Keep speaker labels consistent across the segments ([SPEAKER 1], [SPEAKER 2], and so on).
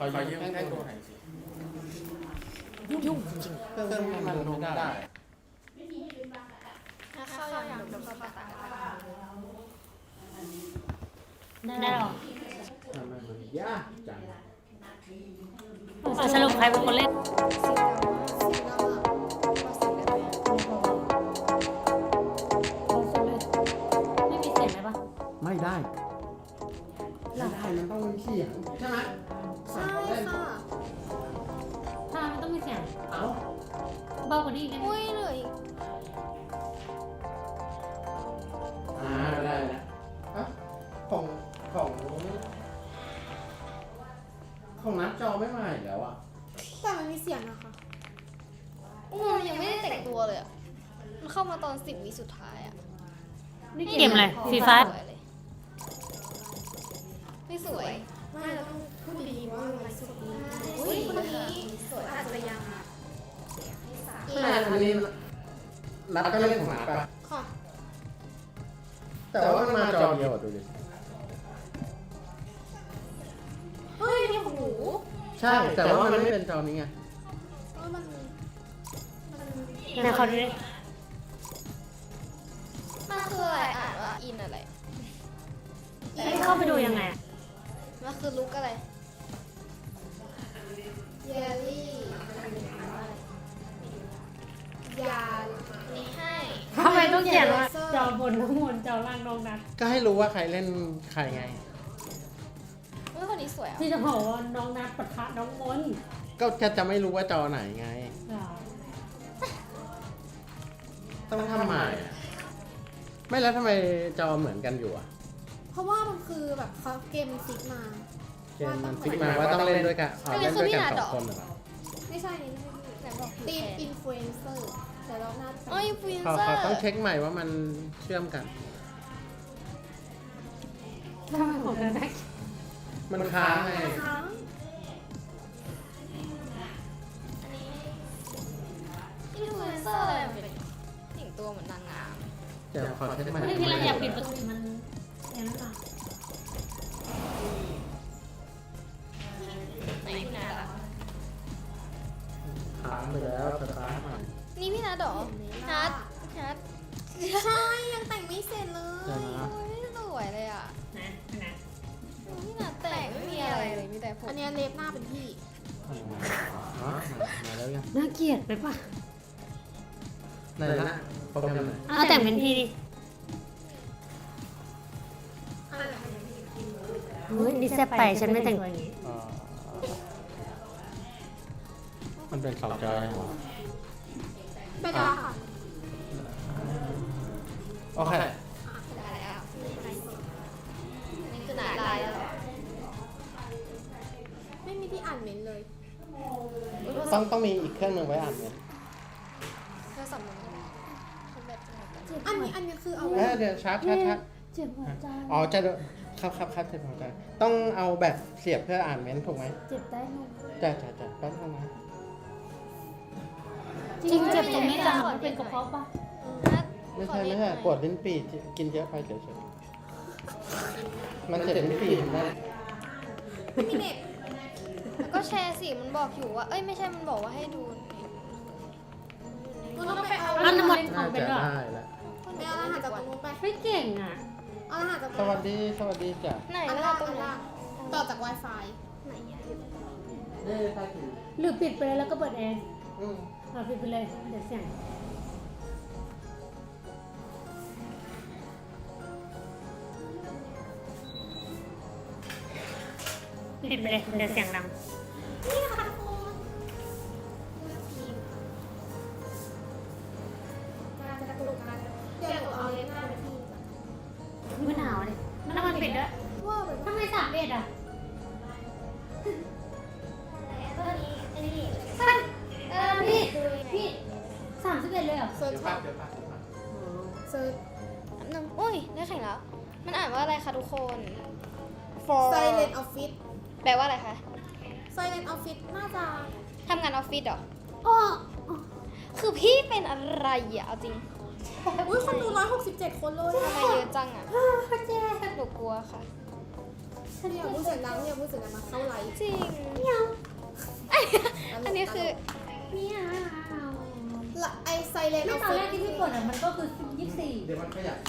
[SPEAKER 1] ขอยืมให้ดูหน่อยสิยุ่งจริงเครื่องมันลงไม่ได้
[SPEAKER 2] ถ้าเข้าอย่างเดี๋ยวก็ปะตา
[SPEAKER 3] ได้หรอ
[SPEAKER 1] ทำไมมันยากจัง
[SPEAKER 3] สรุปใครเป็นคนเล่นไม่มีเสียงไหมปะ
[SPEAKER 1] ไม่ได้มันต้องมีเสียงใช่ไหม
[SPEAKER 2] ใช่ค่ะ
[SPEAKER 3] ถ้ามันต้องมีเสียง
[SPEAKER 1] เอ้า
[SPEAKER 3] เบากว่านี้ได้ไหม
[SPEAKER 2] อุ้ยเลย
[SPEAKER 1] ได้แล้วของนัดจอไม่มาอีกแล้วอ่ะ
[SPEAKER 2] แต่มันมีเสียงนะคะยังไม่ได้แต่งตัวเลยอ่ะมันเข้ามาตอน10 วิสุดท้ายอ่ะ
[SPEAKER 3] นี่เกมอะไรฟีฟ่า
[SPEAKER 2] ไม่สวยไม่เราต้องพูดดีว่าอะไรสวยอุ้ยคนนี้สวยอาจจะยัง
[SPEAKER 1] อันนี้นัดก็เล่นของนัดป่ะ
[SPEAKER 2] ค่ะ
[SPEAKER 1] แต่ว่ามันมาจอเดียวดูดิ
[SPEAKER 2] เฮ้ยนี่ของหนู
[SPEAKER 1] ใช่แต่ว่ามันไม่เป็นจอนี้ไง
[SPEAKER 2] มัน
[SPEAKER 3] ไหนเขาดูดิ
[SPEAKER 2] มันคืออะไรอ่านว่าอินอะไร
[SPEAKER 3] ให้เข้าไปดูยังไงอะ
[SPEAKER 2] มันคือลุกอะไรเยลลี่ยานี่ให้
[SPEAKER 3] ทำไมต้องเขียนว่าจอบนน้องมนจอล่างน้องนัด
[SPEAKER 1] ก็ให้รู้ว่าใครเล่นใครไง
[SPEAKER 2] เฮ้ยคนนี้สวยอ่ะ
[SPEAKER 3] ที่จะบอกว่าน้องนัดปะทะน้องมน
[SPEAKER 1] ก็จะไม่รู้ว่าจอไหนไง ต้องทำใหม่อะไม่แล้วทำไมจอเหมือนกันอยู่อ่ะ
[SPEAKER 2] เพราะว่ามันคือแบบเขาเกมฟิกมา
[SPEAKER 1] เกมมันฟิกมาว่าต้องเล่นด้วยกันเล่นด้วยกันสองคนเหรอ
[SPEAKER 2] ไม่ใช่นี่ไหนบอกตีมอินฟลูเอนเซอร์แต่เราหน้าอ๋ออินฟลูเอน
[SPEAKER 1] เขา
[SPEAKER 2] เซอร์
[SPEAKER 1] ต้องเช็คใหม่ว่ามันเชื่อมกัน
[SPEAKER 3] ทำไมของเธอได้
[SPEAKER 1] มันค้างไง
[SPEAKER 2] อินฟลูเอนเซอร์อะไรมันเป็นแต่งตัวเหมือนนางงาม
[SPEAKER 1] เดี๋ยวขอเช็คใหม่
[SPEAKER 3] ไม่ที่เราอยากปิดประตูมันอย่างนั้นหรอ
[SPEAKER 2] ไหนพี่นัทอ่ะ
[SPEAKER 1] ค้างไปแล้วสตาร์ทใหม่
[SPEAKER 2] นี่พี่นัทเหรอนัทใช่ยังแต่งไม่เสร็จเลยไม่สวยเลยอ่ะ
[SPEAKER 3] นะนะ
[SPEAKER 2] พี่นัทแต่งไม่มีอะไรเลยมีแต่ผมอันนี้เล็บหน้าเป็นพี่
[SPEAKER 1] อ๋อมาแล้วยัง
[SPEAKER 3] น่าเกลียดไปปะ
[SPEAKER 1] ไหนนะโปรแกรมไหน
[SPEAKER 3] เอาแต่งเป็นพี่ดิเฮ้ยนี่แซ่บไปฉันไม่แต่งตัวอย่างนี้
[SPEAKER 1] มันเป็นสองจอเหรอ
[SPEAKER 2] ไม่ได้ค่ะ
[SPEAKER 1] โอเค
[SPEAKER 2] ได้แล้วนี่คือหนาลายแล้วไม่มีที่อ่านเมนเลย
[SPEAKER 1] ต้องมีอีกเครื่องหนึ่งไว้อ่านเนี่ย
[SPEAKER 2] เธอสำนึกอันนี้คือเอา
[SPEAKER 1] เดี๋ยวชาร์จ
[SPEAKER 3] เจ็บหัวใจ
[SPEAKER 1] อ๋อจะครับเจ็บหัวใจต้องเอาแบตเสียบเพื่ออ่านเมนต์ถูกไหม
[SPEAKER 3] เจ็บได้ไหม
[SPEAKER 1] จ้ะแป๊บนึงนะ
[SPEAKER 3] จริงเจ็บตรงนี้จังมันเป็นกระเพาะปะ
[SPEAKER 1] ไม่ใช่ปวดลิ้นปี่กินเยอะไปเฉยๆมันเจ็บลิ้นปี่ถูกไหม
[SPEAKER 2] ไม่มีเน็ตแล้วก็แชร์สิมันบอกอยู่ว่าเอ้ยไม่ใช่มันบอกว่าให้ดูมันต้องไปเอา
[SPEAKER 3] อันนั้นหมดขอ
[SPEAKER 1] น่าง
[SPEAKER 3] เป็น
[SPEAKER 1] จะ
[SPEAKER 3] ด้วย
[SPEAKER 1] ได้แล้ว
[SPEAKER 2] ไปเอารหัสจากตรงนู้นไป
[SPEAKER 3] ไม่เก่งอ่ะ
[SPEAKER 2] เอารหัสจาก
[SPEAKER 1] สวัสดีจ้ะ
[SPEAKER 2] ไหนรหัสตรงนั้นต่อจาก Wi-Fi ไหนอะ
[SPEAKER 1] ได้ใต้ถุน
[SPEAKER 3] หรือปิดไปเลยแล้วก็เปิดแอร์
[SPEAKER 1] อืม
[SPEAKER 3] เอาปิดไปเลยเดี๋ยวเสียงปิดไปเลยเดี๋ยวเสียงดัง
[SPEAKER 2] นี่ค่ะทุกคนจะกระดูกกันเดี๋ยวหนูเอาเล็บหน้าไปที่
[SPEAKER 3] ไม่หนาวเลยมันน้ำมันปิดด้วย
[SPEAKER 2] ว่าแบบ
[SPEAKER 3] ทำไม31อ่ะ
[SPEAKER 2] อันนี้
[SPEAKER 3] พี่31เลยเหรอ
[SPEAKER 2] เซิร์ช
[SPEAKER 1] เดี๋ยว
[SPEAKER 2] ช็อป
[SPEAKER 1] เดี๋ยว
[SPEAKER 2] เซิร์ชโอ้ยได้แข่งแล้ว มันอ่านว่าอะไรคะทุกคน for Silent Office แปลว่าอะไรคะ Silent Office น่าจะทำงานออฟฟิศเหรอ
[SPEAKER 3] อ๋อ
[SPEAKER 2] คือพี่เป็นอะไรอ่ะเอาจริง อุ้ยคนดู167 คนเลยทำไมเยอะจังอ่ะ
[SPEAKER 3] เจ๊
[SPEAKER 2] หนูกลัวค่ะ
[SPEAKER 4] อย่าพูดเสียงดังอย่าพูดเสียงดังมาเข้าไลฟ์
[SPEAKER 2] จริงอันนี้คือ
[SPEAKER 3] เนี่ย
[SPEAKER 4] ไอไซเลน
[SPEAKER 3] ไม่ตอนแรกที่พี่กดอ่ะมันก็คือ24
[SPEAKER 1] เดี๋ยวมันขยับ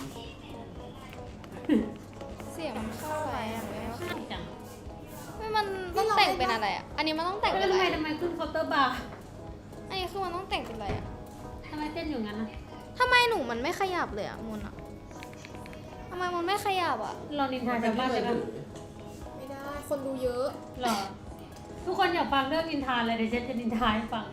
[SPEAKER 2] เสียงมันเข้าไปอ่ะ
[SPEAKER 3] จัง
[SPEAKER 2] ไม่มันต้องแต่งเป็นอะไรอ่ะ อันนี้มันต้องแต่งเป็นอะไร
[SPEAKER 3] ทำไมขึ้นเคาน์เตอร์บาร์
[SPEAKER 2] อันนี้คือมันต้องแต่งเป็นอะไรอ่ะ
[SPEAKER 3] ทำไมเต้นอยู่งั้นนะ
[SPEAKER 2] ทำไมหนูมันไม่ขยับเลยอ่ะมุนอ่ะทำไมมันไม่ขยับอ่ะ
[SPEAKER 3] เรานินทาชาวบ้านเลยนะ
[SPEAKER 4] ไม่ได้คนดูเยอะ
[SPEAKER 3] หรอทุกคนอยากฟังเรื่องนินทาเลยเดี๋ยวเจนจะนินทาให้ฟัง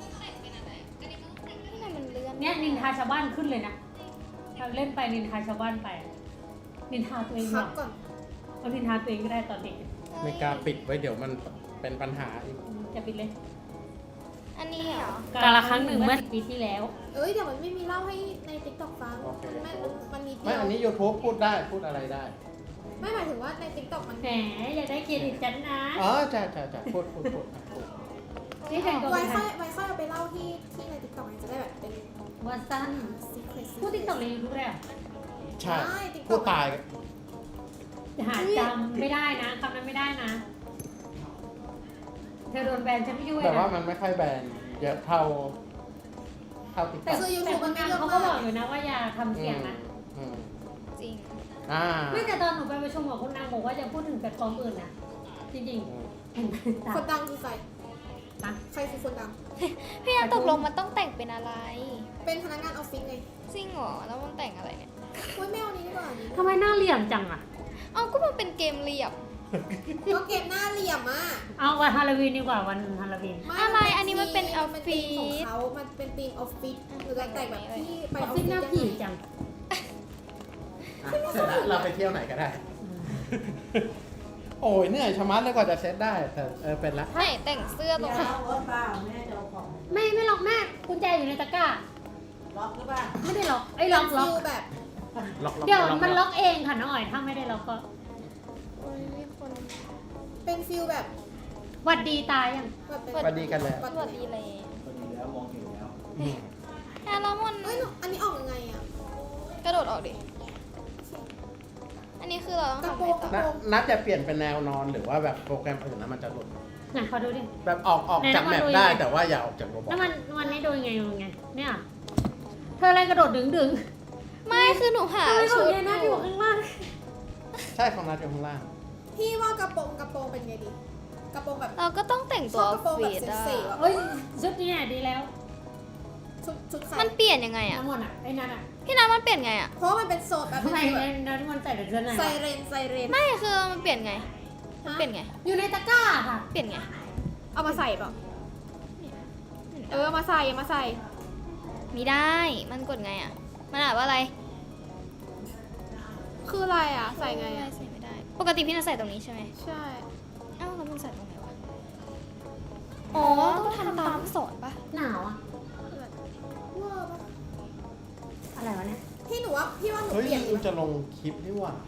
[SPEAKER 2] ทำไมมันเลื่อน
[SPEAKER 3] เนี่ยนินทาชาวบ้านขึ้นเลยนะเราเล่นไปนินทาชาวบ้านไป นินทาตัวเองห
[SPEAKER 4] พั
[SPEAKER 3] ร
[SPEAKER 4] ก
[SPEAKER 3] อ
[SPEAKER 4] ก่อน
[SPEAKER 3] เอานินทาตัวเองก็ได้ตอนเด็ก
[SPEAKER 1] ไม่กล้าปิดไว้เดี๋ยวมันเป็นปัญหาอีก
[SPEAKER 3] จะปิดเลย
[SPEAKER 2] อันนี้เหรอ
[SPEAKER 3] กาละครั้งหนึ่งเมื่อ10 ปีที่แล้ว
[SPEAKER 4] เอ้ยเดี๋ยวมันไม่มีเล่าให้ในติ๊กต็อกฟังมันมีเดี
[SPEAKER 1] ไม่
[SPEAKER 4] ยว
[SPEAKER 1] อันนี้ YouTube พูดได้พูดอะไรได้
[SPEAKER 4] ไม่หมายถึงว่าในติ๊กต็อกมัน
[SPEAKER 3] แหมอย่าได้เครดิตฉันนะ
[SPEAKER 1] อ๋อจ้าพูด
[SPEAKER 3] นี่แต่งตัว
[SPEAKER 4] ไว้
[SPEAKER 3] เป็น
[SPEAKER 4] ค่อยเอาไปเล่าที่ในติ๊กต็อกมันจะได้แบบเป็น
[SPEAKER 3] ว่าสั้น
[SPEAKER 4] secret
[SPEAKER 3] พูดติ๊กต็อกในยูทูบได้เหรอ
[SPEAKER 1] ใช่พูดตาย
[SPEAKER 3] หาจำไม่ได้นะคำนั้นไม่ได้นะ เธอโดนแบนฉันไม่ยุ่ง
[SPEAKER 1] แต่
[SPEAKER 3] นะ
[SPEAKER 1] ว่ามันไม่ค่อยแบนเยอะเท่าติ๊ก
[SPEAKER 3] แต่
[SPEAKER 1] ต็อก
[SPEAKER 4] คือ YouTube มันไม่เยอะ
[SPEAKER 3] เขาก็
[SPEAKER 4] มา
[SPEAKER 3] บอก
[SPEAKER 4] ก
[SPEAKER 3] อยู่นะว่าอย่าทำเสียงนะ
[SPEAKER 2] จริง
[SPEAKER 3] ไม่แต่ตอนหนูไปประชุมกับคุณนางบอกว่าจะพูดถึงแพลตฟอร์มอื่นนะจริงๆเห็นไหมตา
[SPEAKER 4] คนดังคือใคร
[SPEAKER 3] ฮะ
[SPEAKER 4] ใครคือคนดัง
[SPEAKER 2] พี่นันตกลงมันต้องแต่งเป็นอะไร
[SPEAKER 4] เป็นพนักงานออฟฟิศไง
[SPEAKER 2] จริงเหรอ แล้วมันแต่งอะไรเนี่ย
[SPEAKER 4] อุ้ยไม่เอานี้ดีกว่านี้
[SPEAKER 3] ทำไมหน้าเหลี่ยมจังอ่ะ
[SPEAKER 2] เอาก็มันเป็นเกมเรียบ
[SPEAKER 4] ก็เกมหน้าเหลี่ยมอ่ะ
[SPEAKER 3] เอาวันฮาโลวีนดีกว่าวันฮาโลวีน
[SPEAKER 2] อะไรอันนี้มันเป็นออฟฟิศ
[SPEAKER 4] ของเขามันเป็นธีมออฟฟิศหรือแต่งแบบที่ไป
[SPEAKER 3] อ
[SPEAKER 4] อ
[SPEAKER 3] อ
[SPEAKER 4] อ
[SPEAKER 3] ฟ
[SPEAKER 4] ฟ
[SPEAKER 3] ฟิ
[SPEAKER 4] ฟิ
[SPEAKER 3] ศ
[SPEAKER 4] ศ
[SPEAKER 3] หน้า
[SPEAKER 4] ยัง
[SPEAKER 3] ผี
[SPEAKER 4] ไง
[SPEAKER 3] จัง
[SPEAKER 1] เสร็จแล้วเราไปเที่ยวไหนก็ได้ โอ้ยเหนื่อยชะมัดเลยกว่าจะเซตได้ แต่เป็นละ
[SPEAKER 2] ไหนแต่งเสื้อตรงไหน
[SPEAKER 3] ไม่ล็อกแม่กุญแจอยู่ในตะกร้า
[SPEAKER 5] ล็อกหรือเปล่า
[SPEAKER 3] ไม่ได้ล็อกไอ้ยล็อก
[SPEAKER 4] ฟิลแบบ
[SPEAKER 1] ล็อก
[SPEAKER 3] เดี๋ยวมันล็อกเองค่ะน้องอ๋อยถ้าไม่ได้ล็อกก็
[SPEAKER 2] โอ้ยมีคน
[SPEAKER 4] เป็นฟิลแบบ
[SPEAKER 3] หวัดดีตายยัง
[SPEAKER 4] แบบเป็น
[SPEAKER 1] สวัสดีกันแล้ว
[SPEAKER 2] สวัสดีเลย
[SPEAKER 5] พอดีแล้วมองเห็นแล้ว
[SPEAKER 2] แล้วมัน
[SPEAKER 4] เอ้ยหนูอันนี้ออกยังไงอ่ะ
[SPEAKER 2] กระโดดออกดิ อันนี้คือเราต้อง
[SPEAKER 4] กระ
[SPEAKER 2] ทำ
[SPEAKER 4] โป
[SPEAKER 2] อะ
[SPEAKER 4] ร
[SPEAKER 2] ไรง
[SPEAKER 4] ก
[SPEAKER 2] ต่อ
[SPEAKER 4] ระโปรง
[SPEAKER 1] นัดจะเปลี่ยนเป็นแนวนอนหรือว่าแบบโปรแกรมอื่นนะมันจะหลุด
[SPEAKER 3] ไหนขอดูดิ
[SPEAKER 1] แบบออกจากแมปได้แต่ว่าอย่าออกจากโรบอ
[SPEAKER 3] แล้ว
[SPEAKER 1] ท
[SPEAKER 3] มันนี้ดูยังไงเนี่ยเธออะไรกระโดดดึง
[SPEAKER 2] ไม่คือหนูหา
[SPEAKER 3] ทำไมขอ
[SPEAKER 2] ชุ
[SPEAKER 3] ง
[SPEAKER 2] ด
[SPEAKER 3] เยน่าอยู่ข้างล่าง
[SPEAKER 1] ใช่ของนัดอยู่ข้างล่าง
[SPEAKER 4] พี่ว่ากระโปรงเป็นไงดี กระโปรงแบบ
[SPEAKER 2] เราก็ต้องแต่งตัวออฟฟิศ
[SPEAKER 4] ชอบกระโปรงแบบ
[SPEAKER 2] อะ
[SPEAKER 4] เซ็กซี่อะ
[SPEAKER 3] เฮ้ยชุดนี้ดีแล้ว
[SPEAKER 4] ชุดใคร
[SPEAKER 2] มันเปลี่ยนยังไงอะ
[SPEAKER 3] น้ำมันอ่ะไอ้นั่นอ่ะ
[SPEAKER 2] พี่นัทมันเปลี่ยนไงอะ
[SPEAKER 4] เพราะว่ามันเป็นโซนแบบ
[SPEAKER 3] ทำไม
[SPEAKER 4] เป็นแบบ
[SPEAKER 3] น้ำมันใส่แต่เสื้อใน
[SPEAKER 4] ไซเรน
[SPEAKER 2] ไม่คือมันเปลี่ยนไง
[SPEAKER 4] ฮะ
[SPEAKER 2] เปลี่ยนไง
[SPEAKER 3] อยู่ในตะกร้าค่ะ
[SPEAKER 2] เปลี่ยนไง
[SPEAKER 4] เอามาใส่เปล่าเอามาใส่มาใส่
[SPEAKER 2] มีได้ มันกดไงอะมันอ่านว่าอะไร
[SPEAKER 4] คืออะไรอ่ะ ใส่ไงอ่ะ
[SPEAKER 2] ใส่ไม่ได้ ปกติพี่นัทใส่ตรงนี้ใช่ไหม
[SPEAKER 4] ใช่
[SPEAKER 2] เอ้าแล้วมันใส่ตรงไหนวะ อ๋อ ต้องทำตามลูกศรปะ
[SPEAKER 3] หนาวอ่ะ
[SPEAKER 4] เวอร์ปะ
[SPEAKER 3] อะไรวะเนี่ย
[SPEAKER 4] พี่หนูว่าพี่ว่าหนู
[SPEAKER 1] เฮ้ย
[SPEAKER 4] เปลี่ยน
[SPEAKER 1] ลืมจะลงคลิปนี่หว่า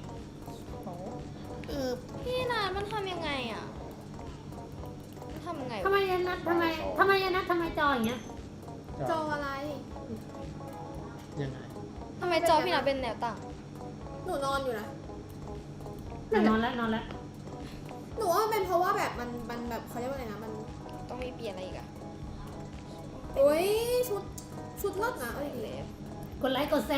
[SPEAKER 2] พี่นัทมันทำยังไงอะมันทำยังไง
[SPEAKER 3] ทำ
[SPEAKER 2] วะ
[SPEAKER 3] ไมยันนัดทำไมจออย่างเงี้ย
[SPEAKER 4] จออะไร
[SPEAKER 1] ยังไง
[SPEAKER 2] ทำไมจอพี่นัทเป็นแนวตั้ง
[SPEAKER 4] หนูนอนอยู่นะ
[SPEAKER 3] นอนแล้ว
[SPEAKER 4] หนูว่ามันเป็นเพราะว่าแบบมันแบบเขาเรียกว่าอะไรนะ มัน
[SPEAKER 2] ต้องมีเปลี่ยนอะไรอีกอะ
[SPEAKER 4] โอ้ยชุดเลิศนะเอา
[SPEAKER 2] ใส่
[SPEAKER 4] ดี
[SPEAKER 2] เล็บ
[SPEAKER 3] กดไลค์กดแชร์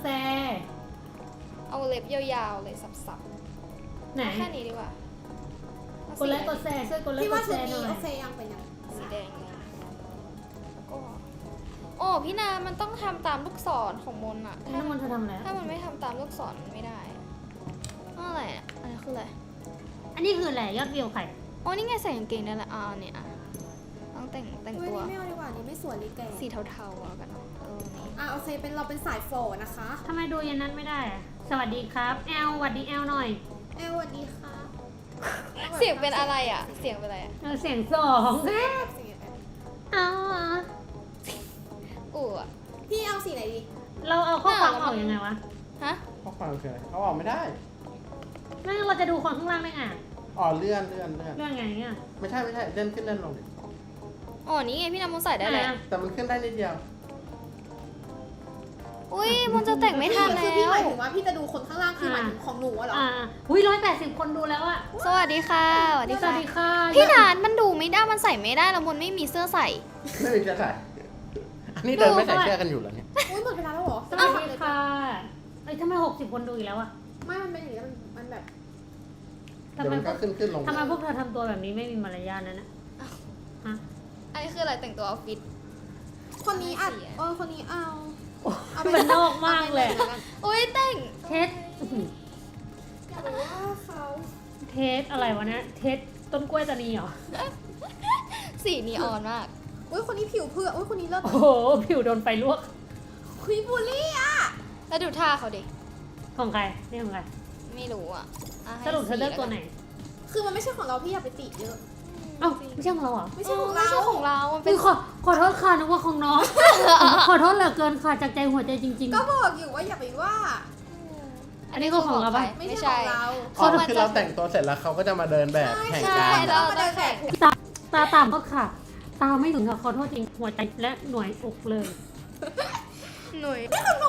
[SPEAKER 2] เอาเล็บยาวๆเลยสับ
[SPEAKER 3] ไหน
[SPEAKER 2] ๆแค่นี้ดีกว่าเอา
[SPEAKER 3] กดไลค์กดแชร์ช่วยกดไล
[SPEAKER 4] พี่
[SPEAKER 3] ค์ก
[SPEAKER 4] ว่า
[SPEAKER 3] ด
[SPEAKER 4] ชุ
[SPEAKER 3] แช
[SPEAKER 4] ด
[SPEAKER 3] ร์หน่
[SPEAKER 4] นี้
[SPEAKER 3] อย
[SPEAKER 4] โอเคยังเป็นยัง
[SPEAKER 2] สีแดงเลยแล้วก็โอ้พี่นามันต้องทำตามลูกศรของมนต์อะ
[SPEAKER 3] น้ำมันเธอทำอะไร
[SPEAKER 2] ถ้ามันไม่ทำตามลูกศรมันไม่ได้อะไรอะอันนี้คืออะไร
[SPEAKER 3] อันนี้คืออะไรยอดวิวใคร
[SPEAKER 2] อ๋อนี่ไงใส่กางเกงได้ละอ่าเนี่ยอ่ะต้องแต่ง
[SPEAKER 4] เฮ้ย
[SPEAKER 2] ตัว
[SPEAKER 4] นี่ไม่เอาดีกว่านี่ไม่สวยนี่แก
[SPEAKER 2] สีเทาๆแล้วกันเนาะนี่
[SPEAKER 4] โอเคเป็นเราเป็นสายโฟนะคะ
[SPEAKER 3] ทำไมดูยันนั้นไม่ได้อะสวัสดีครับแอลสวัสดีแอลหน่อย
[SPEAKER 4] สวัสดีค่ะ
[SPEAKER 2] เสียงเป็นอะไรอะเสียงเป็นอะไรอะ
[SPEAKER 3] เสียงสอง
[SPEAKER 4] เสียงแบบ
[SPEAKER 3] เอา
[SPEAKER 2] อู๋อะ
[SPEAKER 4] พี่เอาสีไหนดี
[SPEAKER 3] เราเอาข้อความออกยังไงวะ
[SPEAKER 2] ฮะ
[SPEAKER 1] ข้อความคืออะไรเขาออกไม่ได้
[SPEAKER 3] ไม่งั้นเราจะดูคนข้างล่างได้ไง
[SPEAKER 1] อ๋อเลื่อน
[SPEAKER 3] เรื่องไงเนี่ย
[SPEAKER 1] ไม่ใช่เลื่อนขึ้นเลื่อนลงดิ
[SPEAKER 2] อ๋อนี่ไงพี่นามุใส่ได้เลย
[SPEAKER 3] อ่ะ
[SPEAKER 1] แต่มันขึ้นได้นิดเดียว
[SPEAKER 2] อุ้ยมันจะแต่งไม่ทัน
[SPEAKER 4] คือ
[SPEAKER 2] แล้
[SPEAKER 4] พี่ห
[SPEAKER 2] ว
[SPEAKER 4] มายถึงว่าพี่จะดูคนข้างล่างคือหมายถึงของหนูอะเหรอ
[SPEAKER 3] อุ้ย180 คนดูแล้วอะ
[SPEAKER 2] สวัสดีค่ะสวัสดี
[SPEAKER 3] สวั
[SPEAKER 2] ค่ะ
[SPEAKER 3] สดีค่ะ
[SPEAKER 2] พี่นานมันดูไม่ได้มันใส่ไม่ได้แล้วมันไม่มีเสื้อใส่
[SPEAKER 1] ไม่มีเสื้อใส่อันนี้เดินไม่ใส่เสื้อกันอยู่แล้วเนี่ย
[SPEAKER 4] อุ้ยหมดเวลาแล้วเหรอ
[SPEAKER 3] สวัสดีค่ะเอ้ยทำไม60 คนดูอีกแล้วอะ
[SPEAKER 4] ไม่มันเป็นอย่างนี้มันแบบ
[SPEAKER 3] ทำ
[SPEAKER 1] เดี๋ยว
[SPEAKER 3] ไม
[SPEAKER 1] มันก็ขึ้นลง
[SPEAKER 3] ทำไมพวกเธอทำตัวแบบนี้ไม่มีมารยาทนั่นนะฮะ
[SPEAKER 2] อันนี้คืออะไรแต่งตัวออฟฟิศ
[SPEAKER 4] คนนี้อัดคนนี้เอา
[SPEAKER 3] มันนอกมากเลย
[SPEAKER 2] อุ้ยแต่ง
[SPEAKER 3] เทส
[SPEAKER 4] หรือว่าเขา
[SPEAKER 3] เทสอะไรวะเนี่ยเทสต้นกล้วยตานีเหรอ
[SPEAKER 2] สีนีออนมาก
[SPEAKER 4] อุ้ยคนนี้ผิวเผือกอุ้ยคนนี้เลิศ
[SPEAKER 3] โอ้โหผิวโดนไฟลวก
[SPEAKER 4] คุยบูลลี่อ่ะ
[SPEAKER 2] แล้วดูท่าเขาดิ
[SPEAKER 3] ของใครนี่ของใคร
[SPEAKER 2] ไม่รู้อ่ะอ่ะให้
[SPEAKER 3] สรุปเธอเลือกตัวไหน
[SPEAKER 4] คือมันไม่ใช่ของเราพี่อย่าไปติเยอะ
[SPEAKER 3] เอ้าไม่ใช่ของเราเหรอ
[SPEAKER 4] ไม่
[SPEAKER 2] ไม่
[SPEAKER 4] ใช่
[SPEAKER 2] ใช่
[SPEAKER 4] ของ
[SPEAKER 2] ไม่
[SPEAKER 4] เรา
[SPEAKER 2] ใช่ของเรา มันเป็
[SPEAKER 3] อุ๊
[SPEAKER 2] น
[SPEAKER 3] ยขอโทษค่ะนึกว่าของน้อง ขอโทษเหลือเกินค่ะจากใจหัวใจจริง
[SPEAKER 4] ก็บอกอยู่ว่าอย่าไปว่า
[SPEAKER 3] ๆ อันนี้ก็ของเราปะ
[SPEAKER 4] ไม่ใช่ของเรา
[SPEAKER 1] อ๋อคือเราแต่งตัวเสร็จแล้วเขาก็จะมาเดินแบบแข่ง
[SPEAKER 2] ใช่
[SPEAKER 1] กัน
[SPEAKER 2] แล้วเราต้องแข่ง
[SPEAKER 3] ตาต่ำก็ค่ะ ตาไม่ถึงค่ะขอโทษจริงหัวใจและหน่วยอกเลย
[SPEAKER 2] หนุ่ย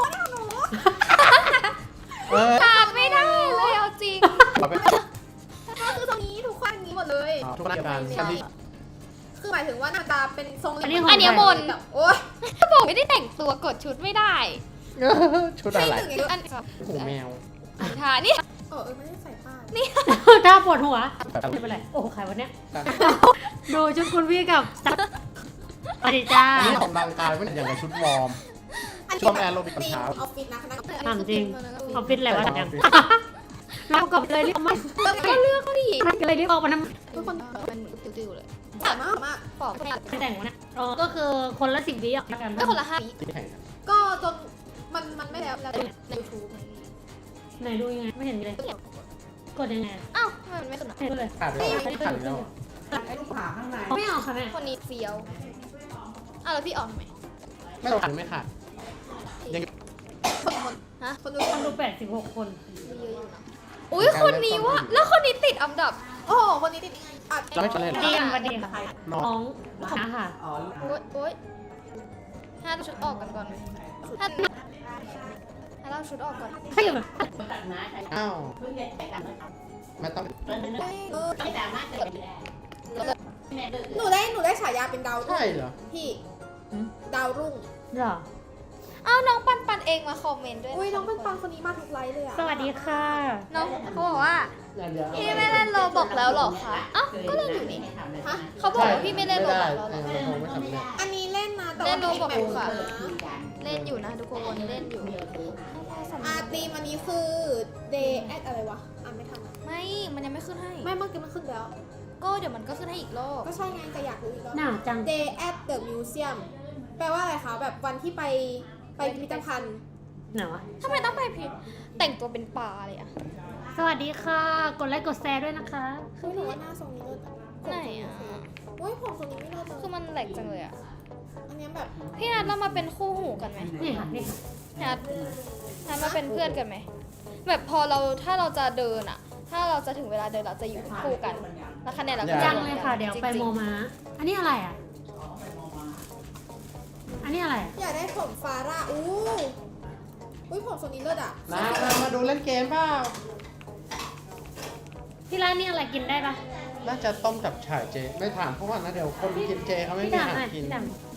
[SPEAKER 1] ขาด
[SPEAKER 2] ไม่ได้เลยเอาจริง
[SPEAKER 1] เราไป
[SPEAKER 4] ก็คือตรงนี้ทุกคนนี้หมดเลย
[SPEAKER 1] ทุกคนการกันที่
[SPEAKER 4] คือหมายถึงว่าหน้าตาเป็นทรง
[SPEAKER 3] อันนี้ของ
[SPEAKER 2] อันเนี้ยบน
[SPEAKER 4] แบบโอ๊ย
[SPEAKER 2] ถ้าบอกไม่ได้แต่งตัวกดชุดไม่ได้
[SPEAKER 1] ชุดอะไร
[SPEAKER 4] ไม่ถึงไง
[SPEAKER 2] อัน
[SPEAKER 1] หูแมว
[SPEAKER 2] ท่านี่
[SPEAKER 4] ไม่ได้ใส่ป้าย
[SPEAKER 3] ตาปวดหัวไม่เป็นไรโอ้ใครวะเนี่ยดูชุดคุณพี่กับสวัสดีจ้า
[SPEAKER 1] อันนี้ออกกำลังกายไม่อย่างกับชุดวอร์ม ชอบแอโรบิกตอนเช้า
[SPEAKER 4] ออฟฟิศนะคณะ
[SPEAKER 3] ถามจริงออฟฟิศอะไรวะเนี่ยเรากับเลยเรียกมา
[SPEAKER 2] ก็เลือกเขาดิ
[SPEAKER 3] เลยเรียกออกมาทำไม
[SPEAKER 4] ทุกคน
[SPEAKER 2] มันเหมือนติ้วๆเลย
[SPEAKER 4] สามารถมาก
[SPEAKER 2] ปอกไม่ได้
[SPEAKER 3] ไม่แต่งวะเนี่ยอ๋อก็คือคนละ10 วิอ่ะกัน
[SPEAKER 2] ก็คนละ5 วิ
[SPEAKER 1] ที่แข่งกัน
[SPEAKER 4] ก็จนมันไม่แล้ว
[SPEAKER 2] ใน
[SPEAKER 4] ใน
[SPEAKER 2] YouTube
[SPEAKER 3] ไหนดูยังไงไม่เห็นเลยกดยังไง
[SPEAKER 2] อ้าวทำไมมันไม่ขึ้นอ่ะ
[SPEAKER 3] เห็นเลย
[SPEAKER 1] ขาดแล้วขาดแล้ว
[SPEAKER 5] ไอ้ลูกผ่าข้างใน
[SPEAKER 3] ไม่เอาค่ะแม่
[SPEAKER 2] คนนี้เฟี้ยวอ้าวแล้วพี่ออกทำไม
[SPEAKER 1] ไม่ขาดไม่ขาดยัง
[SPEAKER 2] ฮะ
[SPEAKER 4] คนดู
[SPEAKER 3] คนดู86 คน
[SPEAKER 2] มีเยอะอยู่นะอุ้ยคนนี้วะแล้วคนนี้ติดอันดับ
[SPEAKER 4] โอ้โหคนนี้ติดอัด
[SPEAKER 1] จะไม่เฉลย
[SPEAKER 3] ดีกันวันดีค่ะ
[SPEAKER 1] น้อง
[SPEAKER 3] น้องค่ะ
[SPEAKER 5] อ๋อ
[SPEAKER 2] โอ๊ยถ้าเราชุดออกกันก่อนไหมถ้าเราชุดออกก่อน
[SPEAKER 3] ให้อยู่แบบ
[SPEAKER 1] อ้าวไม่ต้อง
[SPEAKER 4] หนูได้ฉายาเป็นดาวรุ่
[SPEAKER 1] ใช่
[SPEAKER 4] ง
[SPEAKER 1] เหรอ
[SPEAKER 4] พี่ดาวรุ่ง
[SPEAKER 3] เหรอ
[SPEAKER 2] อ้าวน้องปันเองมาคอมเมนต์ด้วย
[SPEAKER 4] อุ้ยน้องเป็นปังคนนี้มาทุกไลฟ์เลยอ่ะ
[SPEAKER 3] สวัสดีค่ะ
[SPEAKER 2] น้องเขาบอกว่า
[SPEAKER 1] เดี๋ยว
[SPEAKER 2] พี่ไม่เล่นโรบอกแล้วหรอคะอ้าวก็เล่นอยู่นี่
[SPEAKER 4] ฮะ
[SPEAKER 2] เขาบอกว่าพี่ไม่เล่นโร
[SPEAKER 1] ไม่
[SPEAKER 2] บ
[SPEAKER 1] ได้
[SPEAKER 2] อกแล้วหรอ
[SPEAKER 1] มันคงไม่สำเร็จ
[SPEAKER 4] อันนี้เล่นนะแต่
[SPEAKER 2] เล่
[SPEAKER 4] ว่าน
[SPEAKER 2] โรบอกอยู่
[SPEAKER 4] แบบ
[SPEAKER 2] ค่ะ
[SPEAKER 4] นะ
[SPEAKER 2] เล่นอยู่นะทุกคนเล่นอยู่
[SPEAKER 4] ทีมอันนี้คือ day at อะไรวะอ่านไม่ทันอะ
[SPEAKER 2] ไม่มันยังไม่ขึ้นให้
[SPEAKER 4] ไม่เมื่อกี้มันขึ้นแล้ว
[SPEAKER 2] ก็เดี๋ยวมันก็ขึ้นให้อีกรอบ
[SPEAKER 4] ก็ใช่ไงแต่อยากรู้อีกรอบ
[SPEAKER 3] หนาวจัง
[SPEAKER 4] day at the museum แปลว่าอะไรคะแบบวันที่ไปพิพิธภัณฑ์
[SPEAKER 3] หนาวอะ
[SPEAKER 2] ทำไมต้องไปพิแต่งตัวเป็นปลาเลยอะ
[SPEAKER 3] สวัสดีค่ะ กดไลค์กดแชร์ด้วยนะคะ
[SPEAKER 4] คือหนูว่าหน้าทรงนี้เลิศอะ
[SPEAKER 2] ไหนอะ
[SPEAKER 4] โอ้ยผมทรงนี้ไม่เลิศเลย
[SPEAKER 2] คือมันแหลกจังเลยอะ
[SPEAKER 4] อันเนี้ยแบบ
[SPEAKER 2] พี่นัทเรามาเป็นคู่หูกันไหม
[SPEAKER 3] นี่ค่ะนี่ค่ะ
[SPEAKER 2] นัทมาเป็นเพื่อนกันไหมแบบพอถ้าเราจะเดินอะถ้าเราจะถึงเวลาเดินเราจะอยู่คู่กันแล้วคะแนนเราก็จะ
[SPEAKER 3] จังเลยค่ะ เดี๋ยวไปโมมา อันนี้อะไรอ่ะ อันนี้อะไรอะ
[SPEAKER 4] อยากได้ผมฟาร่าอุ้ยผมทรงนี้เลิศอ่ะ
[SPEAKER 1] มาดูเล่นเกมเปล่า
[SPEAKER 3] ที่ร้านนี่อะไรกินได้ปะ
[SPEAKER 1] น่าจะต้มกับฉ่ายเจ ไม่ถามเพราะว่านะเดี๋ยวคนกินเจเขาไม่
[SPEAKER 3] พี่
[SPEAKER 1] มีอา
[SPEAKER 3] ดำ
[SPEAKER 1] หาร
[SPEAKER 3] หน่อย
[SPEAKER 1] กิน
[SPEAKER 3] พี่ด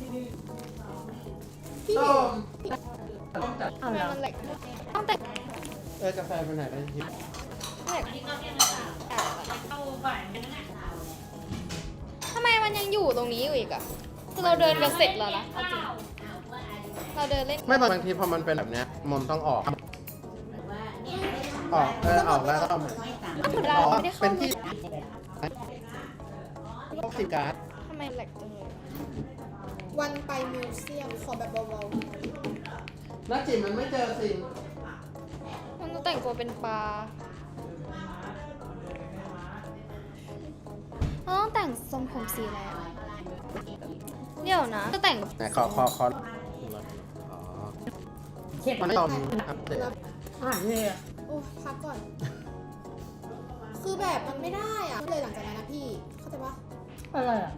[SPEAKER 4] พี่
[SPEAKER 1] ต้ม
[SPEAKER 3] ำเอา
[SPEAKER 2] ทำไม
[SPEAKER 3] เหรอ
[SPEAKER 2] มันแหลกต้องแต่ง
[SPEAKER 1] กาแฟไปไหนได้ที
[SPEAKER 2] แหลกทำไมมันยังอยู่ตรงนี้อยู่อีกอะคือเราเดินกันเสร็จแล้วนะเอาจริงเราเดินเล่น
[SPEAKER 1] ไม่บางทีพอมันเป็นแบบเนี้ยมันต้องออกออกแล้วก็เอาใหม่
[SPEAKER 2] เรา
[SPEAKER 1] อ๋อ
[SPEAKER 2] ไม่ได้เข้า
[SPEAKER 1] เป็นที่สิการ์ด
[SPEAKER 2] ทำไมแหลกจังเลย
[SPEAKER 4] วันไปมิวเซียมขอแบบเบา
[SPEAKER 1] น้าจิ๋มมันไม่เจอสิ่ง
[SPEAKER 2] มันต้องแต่งตัวเป็นปลาเราต้องแต่งทรงผมสีอะไรอะเดี๋ยวนะจะแต่ง
[SPEAKER 1] ไหนขออ๋อ
[SPEAKER 3] เข็ด
[SPEAKER 1] มันไม่ยอมอัปเดต
[SPEAKER 3] อ่านเลยอ่ะ
[SPEAKER 4] ๆโอ้พักก่อน คือแบบมันไม่ได้อ่ะเลยหลังจากนั้นนะพี่ เข้าใจปะ
[SPEAKER 3] อะไรอ่ะ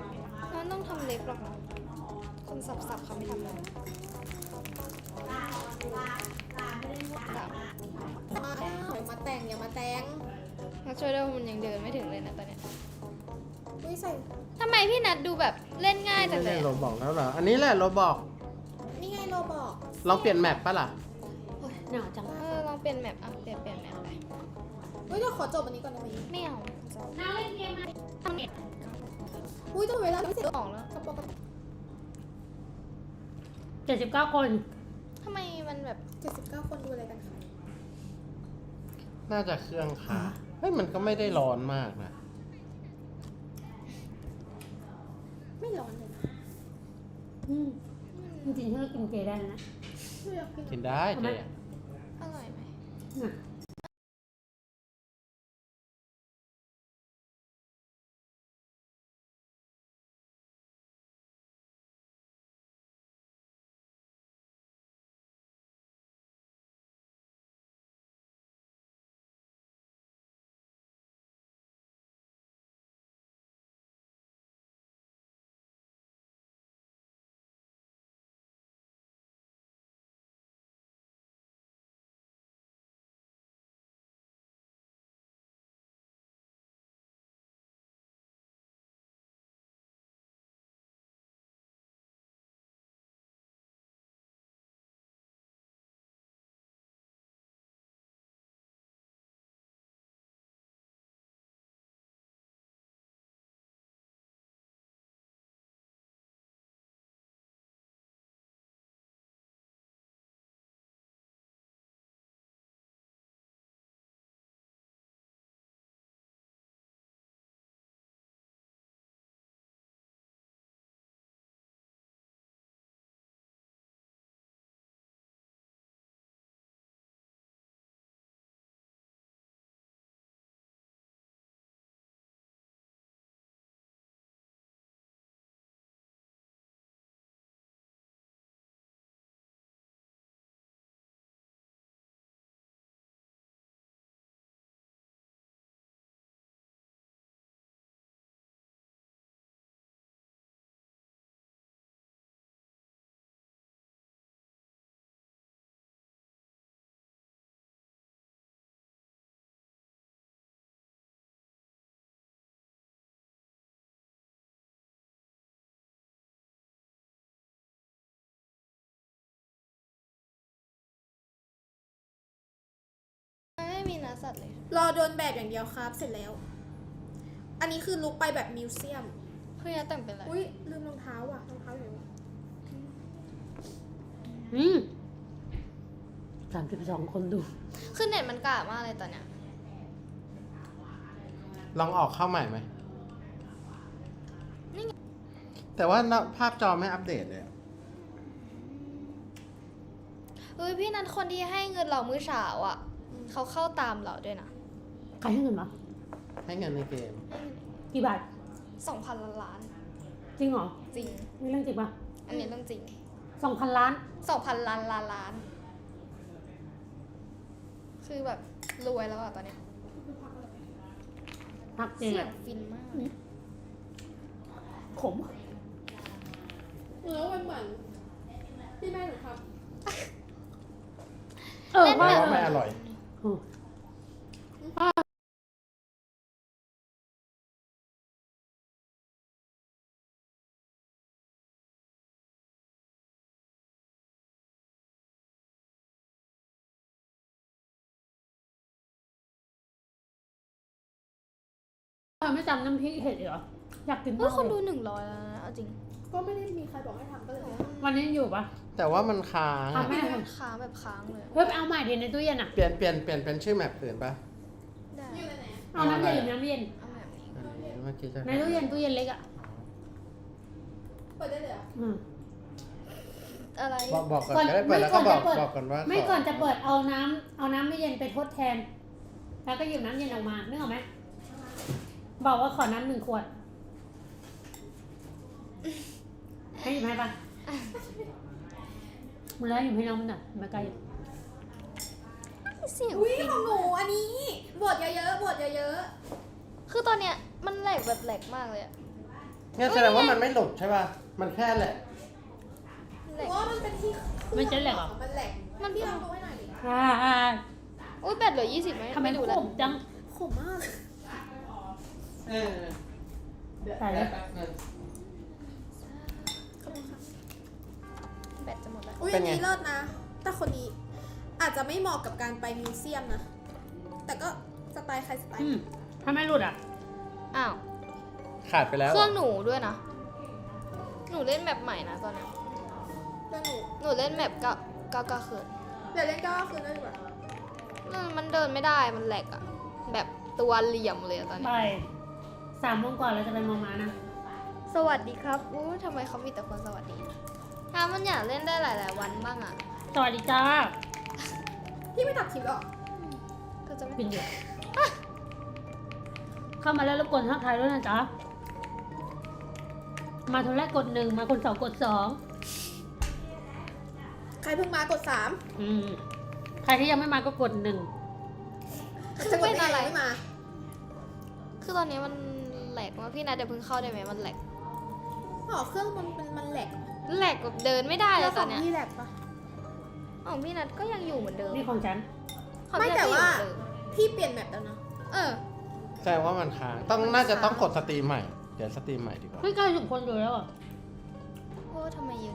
[SPEAKER 2] มันต้องทำเล็บหรอกนะคนสับๆเขาไม่ทำเลย
[SPEAKER 4] มาแต่งอย่ามาแต่ง
[SPEAKER 2] มาช่วยด้วยมันยังเดินไม่ถึงเลยนะตอนเนี้ย
[SPEAKER 4] อุ้ยใส่
[SPEAKER 2] ทำไมพี่นัทดูแบบเล่นง่ายจั
[SPEAKER 1] ไม่
[SPEAKER 2] งเล
[SPEAKER 1] เล่
[SPEAKER 2] ย
[SPEAKER 1] น
[SPEAKER 2] อะ
[SPEAKER 1] โรบอกแล้วเหรอ อันนี้แหละโรบอก
[SPEAKER 4] นี่ไงโรบอก
[SPEAKER 1] ลองเปลี่ยนแมปปะล่ะ
[SPEAKER 3] หนาวจัง
[SPEAKER 2] ลองเปลี่ยนแมปอ่ะเปลี่ยนแมปไป
[SPEAKER 4] เฮ้ยเดี๋ยวขอจบอันนี้ก่อนได้ไหม
[SPEAKER 2] ไม่เอา
[SPEAKER 3] น้าเล่นเกมไหม
[SPEAKER 4] อุ้ยต้องเวลาไม่เสร็จ
[SPEAKER 2] ออกแล้ว
[SPEAKER 4] กระโปรง
[SPEAKER 3] 79 คน
[SPEAKER 2] ทำไมมันแบบ
[SPEAKER 4] 79 คนดูอะไรกันคะ
[SPEAKER 1] น่าจะเครื่องค้างเฮ้ยมันก็ไม่ได้ร้อนมากนะ
[SPEAKER 4] ไม่ร้อนเลยนะ
[SPEAKER 3] อืมจริงๆถ้าเรากินเจได้นะ
[SPEAKER 4] ไม่อยากกิน
[SPEAKER 1] กินได้เจ๊อะ
[SPEAKER 2] อร่อยไหม
[SPEAKER 3] น่ะ
[SPEAKER 2] ไม่มีเนื้อสัตว์เลย
[SPEAKER 4] รอโดนแบบอย่างเดียวครับ เสร็จแล้ว อันนี้คือลุกไปแบบมิวเซียม
[SPEAKER 2] พี่นัทแต่งเป็นอะไร
[SPEAKER 4] อุ้ยลืมรองเท้าว่ะรองเท้าอยู่
[SPEAKER 3] อืม32 คนดู
[SPEAKER 2] คือเน็ตมันกากมากเลยตอนเนี้ย
[SPEAKER 1] ลองออกเข้าใหม่ไหม
[SPEAKER 2] นี่ไง
[SPEAKER 1] แต่ว่าภาพจอไม่อัปเดตเลยอะ
[SPEAKER 2] เฮ้ยพี่นัทคนที่ให้เงินเรามื้อเช้าอ่ะเขาเข้าตามเราด้วยนะ
[SPEAKER 3] ใครให้เงินมา
[SPEAKER 1] ให้เงินในเกม
[SPEAKER 3] กี่บาท
[SPEAKER 2] 2,000 ล้าน
[SPEAKER 3] จริงเหรอ
[SPEAKER 2] จริง
[SPEAKER 3] นี่เรื่องจริงปะ
[SPEAKER 2] อันนี้เรื่องจริง
[SPEAKER 3] 2,000 ล้าน
[SPEAKER 2] 2,000 ล้าน คือแบบรวยแล้วอ่ะตอนเนี้ย
[SPEAKER 3] พักจริง
[SPEAKER 2] เสีย
[SPEAKER 3] อะ
[SPEAKER 2] งฟินมาก
[SPEAKER 3] ขม
[SPEAKER 4] แล้วมันเหมือนที่แม่หนูท
[SPEAKER 3] เออ
[SPEAKER 2] เล่น
[SPEAKER 3] ว่า
[SPEAKER 2] แบบ
[SPEAKER 1] ไม่อร่อย
[SPEAKER 3] อืมไม่จำน้ำพริกเห็ดเหรอ อยากกิน
[SPEAKER 2] เฮ้ย
[SPEAKER 3] มาก
[SPEAKER 2] คน
[SPEAKER 3] เล
[SPEAKER 2] ดู
[SPEAKER 3] ย
[SPEAKER 2] 100แล้วนะเอาจริง
[SPEAKER 4] ำก็ไม่ได้มีใครบอกให้ทำก็เลย
[SPEAKER 3] วันนี้อยู่ปะ
[SPEAKER 1] แต่ว่ามันค้าง
[SPEAKER 3] อ่ะ
[SPEAKER 1] อะ
[SPEAKER 3] แม่
[SPEAKER 2] ค้างแบบค้างเลย
[SPEAKER 3] เฮ้ยไปเอาใหม่ดิในตู้เย็นอ่ะ
[SPEAKER 1] เปลี่ยนเป็นชื่อแมปอื่นปะ
[SPEAKER 2] ได้
[SPEAKER 4] อยู่ไหน
[SPEAKER 3] เอาน้ำเย็นหรือน้ำเย็น
[SPEAKER 2] เอาแบบนี้
[SPEAKER 1] อันนี้เมื่อกี้จะ
[SPEAKER 3] ในตู้เย็นเล็กอ่ะ
[SPEAKER 4] เปิดได้เลยเหรอ
[SPEAKER 3] อืม
[SPEAKER 2] อะไร
[SPEAKER 1] บอกก่อนก็ได้เปิดแล้วก็บอกก่อนว่า
[SPEAKER 3] ไม่ก่อนจะเปิดเอาน้ำไม่เย็นไปทดแทน แล้วก็หยิบน้ำเย็นออกมานึกออกไหมบอกว่าขอน้ำ1 ขวดให้หยิบให้ปะมึงแล้วหยิบให้น้องมันหน่อยมาไกล
[SPEAKER 2] เสียง
[SPEAKER 4] อุ้ย
[SPEAKER 2] ฟิน
[SPEAKER 4] ของหนูอันนี้บทเยอะๆบทเยอะ
[SPEAKER 2] คือตอนเนี้ยมันแหลกแบบแหลกมากเลยอะ
[SPEAKER 1] เนี่ยแสดงว่ามันไม่หลุดใช่ป่ะ มันแค่แหละ
[SPEAKER 4] ๆ
[SPEAKER 2] แหลก
[SPEAKER 4] เพราะว่ามันเป็นที่
[SPEAKER 3] มันจะแหลกเหรอ
[SPEAKER 4] มันแหลก
[SPEAKER 2] มัน
[SPEAKER 4] พี่ลองดูให้หน่อยดิ
[SPEAKER 2] อุ้ยแบตเหลือ20ไหม
[SPEAKER 3] ทำไม
[SPEAKER 2] ไม่
[SPEAKER 3] ข
[SPEAKER 2] ดูแล้ว
[SPEAKER 3] มจัง
[SPEAKER 4] ขมมาก
[SPEAKER 3] ใส่เลย
[SPEAKER 2] แบตจะหมดแล้ว
[SPEAKER 4] อุ้ยอันนี้เลิศนะ แต่คนนี้อาจจะไม่เหมาะกับการไปมิวเซียมนะ แต่ก็สไตล์ใครสไตล์
[SPEAKER 3] อืมถ้าไม่หลุดอ่ะ
[SPEAKER 2] อ้าว
[SPEAKER 1] ขาดไปแล้ว
[SPEAKER 2] เครื่องหนูด้วยนะ หนูเล่นแมปใหม่นะตอนนี้
[SPEAKER 4] เรื่องหนู
[SPEAKER 2] หนูเล่นแมปก็คืน
[SPEAKER 4] เดี๋ยวเล่นก็คืนได้ดีกว่า
[SPEAKER 2] มันเดินไม่ได้มันแหลกอะแบบตัวเหลี่ยมเลยอะตอนนี้
[SPEAKER 3] ไป3 โมงกว่าเราจะไปมองมานะ
[SPEAKER 2] สวัสดีครับอู้ทำไมเขามีแต่คนสวัสดีถ้ามันอยากเล่นได้หลาย ๆ วันบ้างอะ
[SPEAKER 3] สวัสดีจ้า
[SPEAKER 4] พี่ไม่ตัดคลิปหรอ
[SPEAKER 2] ก็จะไม่
[SPEAKER 3] ปินอยู่เข้ามาแล้วรบกวนทักทายด้วยนะจ๊ะ มาคนแรกกด 1 มาคน2กด
[SPEAKER 4] ใครเพิ่งมากด
[SPEAKER 3] 2ใครที่ยังไม่มาก็กด 1
[SPEAKER 4] 3จะกดได้ไงไม่มา
[SPEAKER 2] คือตอนนี้มันแหลกมากพี่นัทเดี๋ยวเพิ่งเข้าได้ไหมมันแหลก
[SPEAKER 4] อ๋อเครื่องมันแหลก
[SPEAKER 2] แหลกแบบเดินไม่ได้เลยตอนเนี้ย
[SPEAKER 4] พี่แหลกปะ
[SPEAKER 2] ของพี่นัทก็ยังอยู่เหมือนเดิม
[SPEAKER 3] นี่ของฉัน
[SPEAKER 2] ของ
[SPEAKER 4] ไม่
[SPEAKER 2] พี่นัท
[SPEAKER 4] แต่
[SPEAKER 2] ก็อยู่
[SPEAKER 4] ว่า
[SPEAKER 2] เหมือนเดิม
[SPEAKER 4] พี่เปลี่ยนแมปแล้วนะ
[SPEAKER 1] แสดงว่ามันค้างน่าจะต้องกดสตรีมใหม่ เดี๋ยวสตรีมใหม่ดีกว่า
[SPEAKER 3] ไม่90 คนอยู่แล้วอ่ะ
[SPEAKER 2] โอ้ทำไมเยอะ